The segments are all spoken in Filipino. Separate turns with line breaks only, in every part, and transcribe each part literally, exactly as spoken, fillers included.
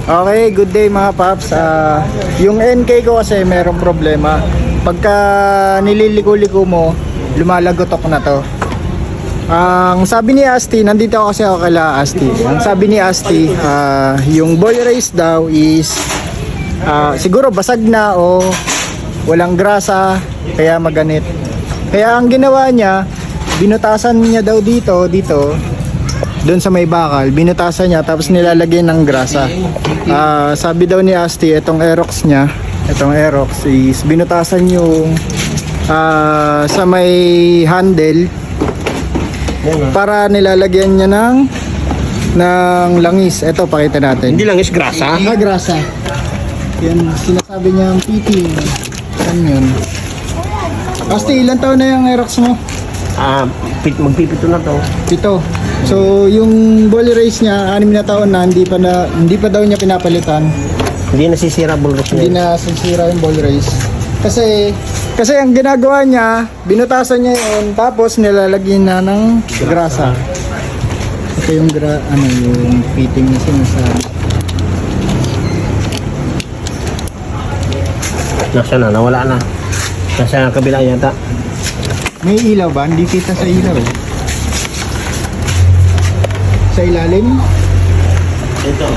Okay, good day mga paps. Ah, yung N K ko kasi merong problema. Pagka nililiko-liko mo, lumalagotok na to. Ang sabi ni Asti, nandito ako kasi ako kala Asti. Ang sabi ni Asti, ah, yung boil rice daw is ah, siguro basag na o walang grasa, kaya maganit. Kaya ang ginawa niya, binutasan niya daw dito, dito, doon sa may bakal, binutasan niya tapos nilalagyan ng grasa. Uh, sabi daw ni Asti, itong Aerox niya, itong Aerox is binutasan yung uh, sa may handle para nilalagyan niya ng ng langis. Ito, pakita natin.
Hindi langis, grasa.
Ah, grasa. Yan, sinasabi niya ang piting. Yan yun. Asti, ilan taon na yung Aerox mo?
Ah, pit magpipito na to.
Pito. So, yung ball race niya, anim na taon na, hindi pa na, hindi pa daw niya pinapalitan.
Hindi nasisira bulros
Hindi
niya.
na sisira yung ball race. Kasi, kasi ang ginagawa niya, binutasan niya yun, tapos nilalagyan na ng grasa. Ito yung gra, ano, yung fitting na sinasabi.
Nasa na, nawala na. Nasa kabila yata.
May ilaw ba? Hindi kita sa ilaw eh. Sa ilalim?
Ito.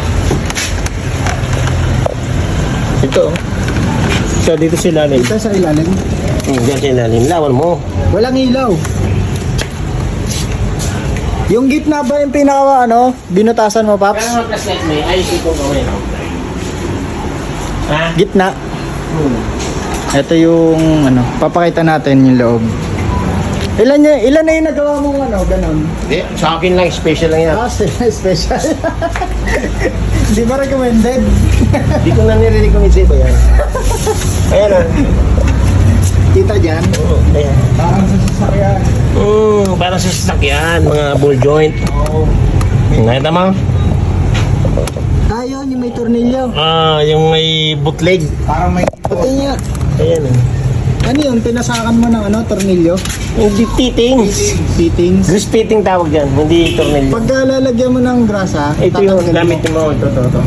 Ito. So, dito sa ilalim.
Kita sa ilalim?
Hmm, dyan sa ilalim. Lawan mo.
Walang ilaw. Yung gitna ba yung pinaka ano, binutasan mo, Paps?
Kaya mga flashlight may ayos ito kami, no? Ha?
Gitna.
Hmm.
Ito yung ano, papakita natin yung loob. Ilan niya, ilan na yung nagawa mong ano, ganon?
Hindi, sa akin lang, special lang yan.
Ah, special. Hindi ba recommended?
Hindi ko na nire-recommend sa iba yan. Ayan na.
Kita dyan?
Oo, ayan.
Parang sa sasakyan.
Hmm, parang sa sasakyan, mga ball joint.
Oo.
Nakita mo?
Ah, yun, yung may tornilyo.
Ah, yung may bootleg.
Parang may... Pati niya.
Ayan eh.
Ano yun, pinasakan mo ng ano, tornilyo?
Hindi fittings.
Fittings.
Grease fitting tawag dyan, hindi tornilyo.
Pag lalagyan mo ng grasa,
Ito yung
tatanggalin
gamit mo. Ito, ito, ito.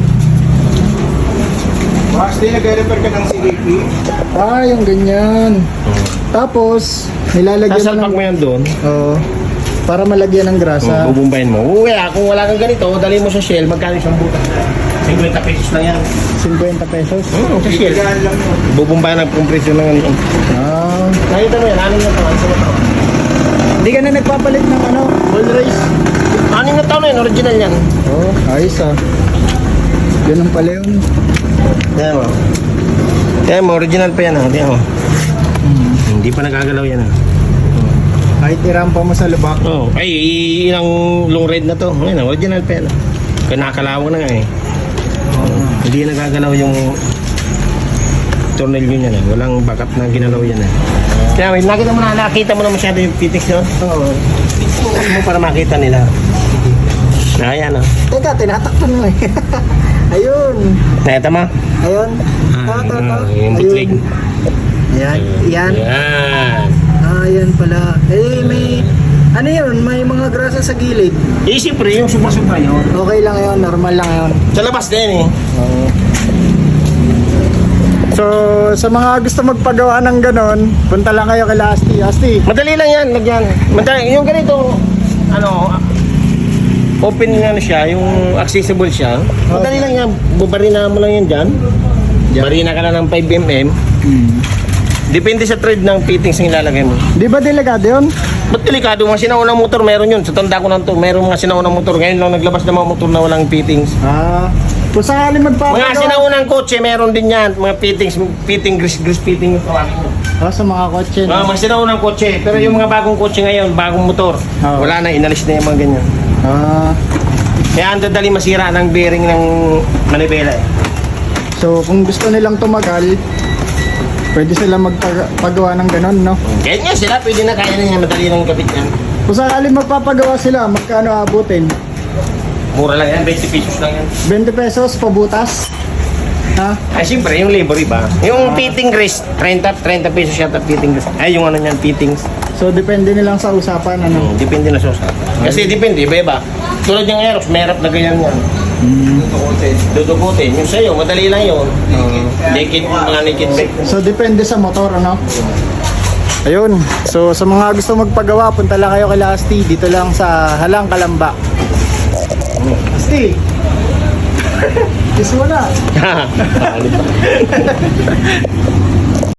Max, di nag-repair ka ng C D P? Ah, yung ganyan. Tapos, nilalagyan
Sasalpak
mo
mo
ng...
yan doon.
Oo. Para malagyan ng grasa.
Bubumbayin mo. Kaya kung wala kang ganito, dali mo sa Shell, magkano isang butas? fifty pesos lang yan.
fifty pesos?
Oo, sa Shell. Bubumbayin ang kompresyon ng ano.
Ah.
Nakita mo yan, anim na taon. Sa taon.
Hindi ka na nagpapalit ng ano?
Ball race. Anim na taon na yun, original yan.
Oo, oh, ayos ah. Ganun pala yun.
Tingnan mo. Tingnan mo, original pa yan ha. Tingnan mo.
Hmm.
Hindi pa nagagalaw yan ha.
Kahit irampa mo sa lubak.
Oh, ay, ilang long ride na to. Ngayon, original pa yan. Kaya nakakalawang na nga eh. Hindi nagagalaw yung tornilyo niya eh. Walang backup na ginalaw yan eh. Kaya wait, nakita mo na, nakita mo na masyado yung fittings yun.
Oo.
Tingnan mo para makita nila. Ayan oh.
Teka, tinatakpan mo eh. Ayun.
Nakita mo?
Ayun. Ta, ta, ta.
Yung bootleg.
Ayan. Yan.
Yan.
Ah, yan pala. Eh, may... Ano yun? May mga grasa sa gilid.
Eh, siyempre, yung super-super yun.
Okay lang yun. Normal lang yun.
Sa labas din eh.
Oo. So, sa mga gusto magpagawa ng ganon, punta lang kayo kay Asti. Asti.
Madali lang yan, lagyan. Madali, yung ganito, ano, open nga ano siya, yung accessible siya. Madali lang yan, bubarina mo lang yan dyan.
Dyan.
Barina ka na ng five millimeters.
Hmm.
Depende sa thread ng fittings na ilalagay mo.
Di ba delikado yun?
Ba't delikado? Mga sinaunang motor, meron yun. Sa tanda ko ng to, meron mga sinaunang motor. Ngayon lang naglabas ng mga motor na walang fittings.
Ah. Kung sakali magpapagawa.
Mga sinaunang kotse, meron din yan. Mga fittings, fitting, grease, grease fitting yung tawagin mo.
Ah, sa mga kotse.
Mga,
No?
mga sinaunang kotse. Pero yung mga bagong kotse ngayon, bagong motor,
Oo.
wala na, inalis na yung mga ganyan.
Ah.
Kaya ang dadali masira ng bearing ng manibela eh.
So, kung gusto nilang tumagal, pwede sila magpagawa ng ganon, no?
Kahit nga sila, pwede na kaya na niya madali ng kapit yan.
Kung sakali magpapagawa sila, magkano abutin?
Mura lang yan, twenty pesos lang yan.
twenty pesos pabutas? Ha?
Ay, siyempre, yung labor iba. Yung fitting grease, thirty, thirty pesos yata fitting grease. Ay, yung ano niyan, fittings.
So depende nilang sa usapan ano.
Hmm, depende na sa usapan. Kasi depende, iba-iba. Tulad yung Aerox, merap na ganyan yan. Dudukutin. Yung sa'yo, madali lang yun. Naked, mga naked bike.
So depende sa motor ano. Ayun. So sa mga gusto magpagawa, punta lang kayo kay Asti dito lang sa Halang Kalamba. Asti. Kiss mo na.